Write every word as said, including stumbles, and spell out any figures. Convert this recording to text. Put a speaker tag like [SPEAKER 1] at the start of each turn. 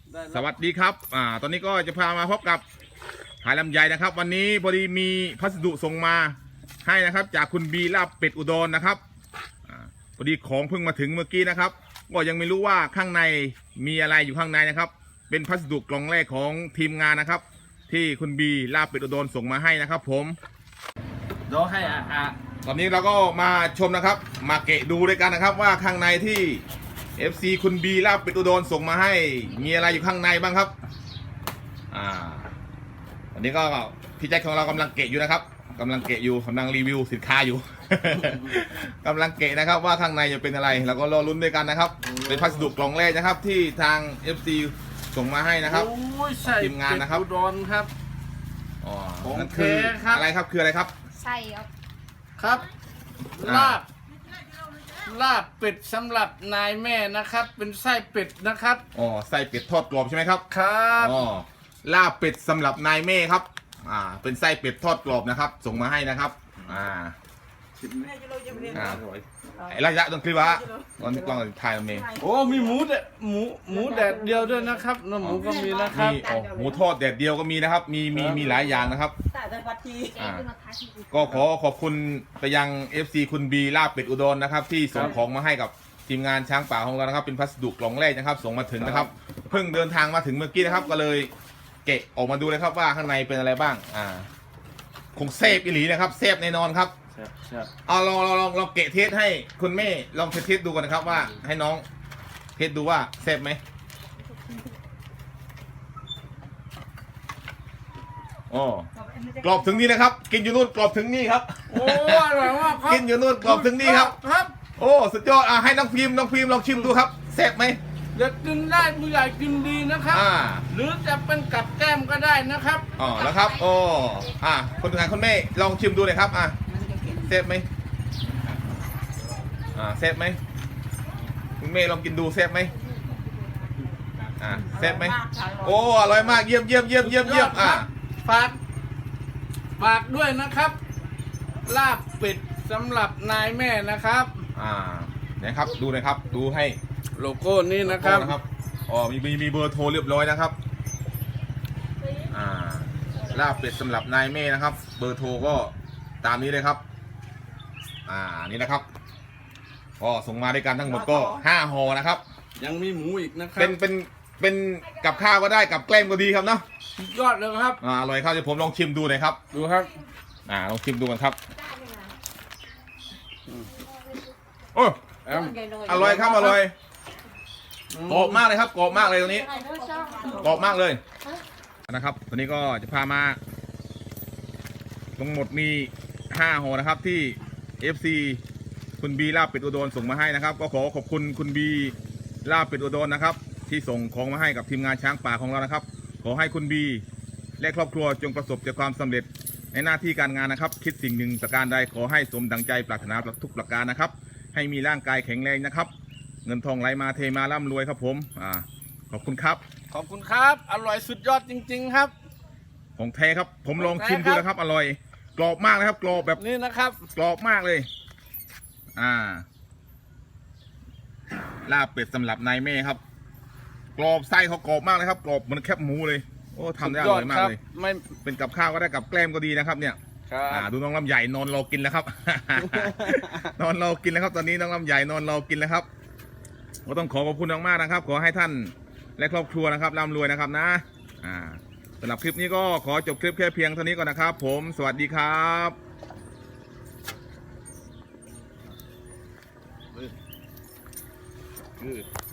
[SPEAKER 1] สวัสดีครับอ่าตอนนี้ก็จะพามาพบกับขายลำไยนะครับวันนี้พอดีมีพัสดุส่งมาให้นะครับจากคุณบีลาบเป็ดอุดรนะครับอ่าพอดีของเพิ่งมาถึงเมื่อกี้นะครับก็ยังไม่รู้ว่าข้างในมีอะไรอยู่ข้างในนะครับเป็นพัสดุกล่องแรกของทีมงานนะครับที่คุณบีลาบเป็ดอุดรส่งมาให้นะครับผม
[SPEAKER 2] เดี๋ยวให้อ่ะอ่ะ
[SPEAKER 1] ตอนนี้เราก็มาชมนะครับมาเกะดูด้วยกันนะครับว่าข้างในที่ เอฟ ซี คุณบีลาบเป็ดอุดรส่งมาให้มีอะไรอยู่ข้างในบ้างครับอ่าวันนี้ก็พี่แจ็คของเรากำลังเกะอยู่นะครับกำลังเกะอยู่กำลังรีวิวสินค้าอยู่ กำลังเกะนะครับว่าข้างในจะเป็นอะไรเราก็รอลุ้นด้วยกันนะครับเป็นพัสดุกล่องแรกนะครับที่ทาง เอฟ ซี ส่งมาให้นะครับทีมงานนะครับ
[SPEAKER 2] อุดรครับ
[SPEAKER 1] อ๋อ
[SPEAKER 2] ของ
[SPEAKER 1] นั่นคือ
[SPEAKER 2] แท้ครับ
[SPEAKER 1] อะไรครับคืออะไรครับ
[SPEAKER 3] ใช่ครับ
[SPEAKER 2] ครับลาบลาบเป็ดสำหรับนายแม่นะครับ เป็นไส้เป็ดนะครับ
[SPEAKER 1] อ๋อไส้เป็ดทอดกรอบใช่ไหมครับ
[SPEAKER 2] ครับ
[SPEAKER 1] อ๋อลาบเป็ดสำหรับนายแม่ครับอ่าเป็นไส้เป็ดทอดกรอบนะครับส่งมาให้นะครับอ่าอ่าไอ้ระยะตรงคลิปวะตอนกล้องถ่ายตรงนี้
[SPEAKER 2] โอ้มีหมูแดดหมูหมูแดดเดียวด้วยนะครับน้ำหมูก็มีนะครับ
[SPEAKER 1] มีอ๋อหมูทอดแดดเดียวก็มีนะครับมีมีมีหลายอย่างนะครับอ่าก็ขอขอบคุณไปยัง เอฟ ซี คุณบีลาบเป็ดอุดรนะครับที่ส่งของมาให้กับทีมงานช้างป่าของเรานะครับเป็นพัสดุกล่องแรกนะครับส่งมาถึงนะครับเพิ่งเดินทางมาถึงเมื่อกี้นะครับก็เลยเกะออกมาดูเลยครับว่าข้างในเป็นอะไรบ้างอ่าคงเซฟอีหลีนะครับเซฟแน่นอนครับเอาลองลองลองลองเกะเทสให้คุณแม่ลองเทสเทสดูกันนะครับว่าให้น้องเทสดูว่าเซฟไหมโอ้กรอบถึงนี่นะครับกินอยู่นู่นกรอบถึงนี่ครับ
[SPEAKER 2] โอ้อร่อยมากครับ
[SPEAKER 1] กินอยู่นู่นกรอบถึงนี่ครับ
[SPEAKER 2] ครับ
[SPEAKER 1] โอ้สุดยอดอ่ะให้น้องพิมพ์น้องพิมพ์ลองชิมดูครับเซฟไหม
[SPEAKER 2] เด็กกินได้ผู้ใหญ่กินดีนะครับหรือจะเป็นกับแก้มก็ได้นะครับ
[SPEAKER 1] อ๋อแล้วครับโอ้อ่ะคนงานคนแม่ลองชิมดูเลยครับอ่ะเซฟไหมอ่าเซฟไหมคุณแม่ลองกินดูเซฟไหมอ่าเซฟไหมโอ้อร่อยมากเยี่ยมเยี่ยมเยี่ยมเยี่ยมเยี่ยมอ่ะ
[SPEAKER 2] ฝากฝากด้วยนะครับลาบเป็ดสำหรับนายแม่นะครับ
[SPEAKER 1] อ่านะครับดูนะครับดูให้
[SPEAKER 2] โลโก้นี้นะครับ
[SPEAKER 1] นะครับอ๋อมีมีมีเบอร์โทรเรียบร้อยนะครับอ่าลาบเป็ดสำหรับนายแม่นะครับเบอร์โทรก็ตามนี้เลยครับอ่านี่นะครับก็ส่งมาด้วยกันทั้งหมดก็ห้าห่อนะครับ
[SPEAKER 2] ยังมีหมูอีกนะครับ
[SPEAKER 1] เป็นเป็นเป็นกับข้าวก็ได้กับแกล้มก็ดีครับเนาะ
[SPEAKER 2] ยอดเลยครับ
[SPEAKER 1] อ่าอร่อยครับเดี๋ยวผมลองชิมดูหน่อยครับ
[SPEAKER 2] ดูครับ
[SPEAKER 1] อ่าลองชิมดูกันครับโอ้อร่อยครับอร่อยกรอบมากเลยครับกรอบมากเลยตรงนี้กรอบมากเลยนะครับวันนี้ก็จะพามาทั้งหมดมีห้าห่อนะครับที่ เอฟ ซี คุณบีลาบเป็ดอุดรส่งมาให้นะครับก็ขอขอบคุณคุณบีลาบเป็ดอุดรนะครับที่ส่งของมาให้กับทีมงานช้างป่าของเรานะครับขอให้คุณบีและครอบครัวจงประสบแต่ความสำเร็จในหน้าที่การงานนะครับคิดสิ่งหนึ่งประการใดขอให้สมดังใจปรารถนาทุกประการนะครับให้มีร่างกายแข็งแรงนะครับเงินทองไหลมาเทมาร่ำรวยครับผมอ่าขอบคุณครับ
[SPEAKER 2] ขอบคุณครับอร่อยสุดยอดจริงๆครับ
[SPEAKER 1] ของแท้ครับผมลองชิมดูนะครับอร่อยกรอบมากนะครับกรอบแบบ
[SPEAKER 2] นี้นะครับ
[SPEAKER 1] กรอบมากเลยอ่าลาบเป็ดสำหรับนายแม่ครับกรอบไส้เขากรอบมากเลยครับกรอบเหมือนแคบหมูเลยโอ้ทำได้อร่อยมากเลยไม่เป็นกับข้าวก็ได้กับแกล้มก็ดีนะครับเนี่ยอ่าดูน้องลำใหญ่นอนรอกินแล้วครับ นอนรอกินแล้วครับตอนนี้น้องลำใหญ่นอนรอกินแล้วครับก็ต้องขอขอบคุณมากๆนะครับขอให้ท่านและครอบครัวนะครับร่ำรวยนะครับนะอ่าสำหรับคลิปนี้ก็ขอจบคลิปแค่เพียงเท่านี้ก่อนนะครับผมสวัสดีครับ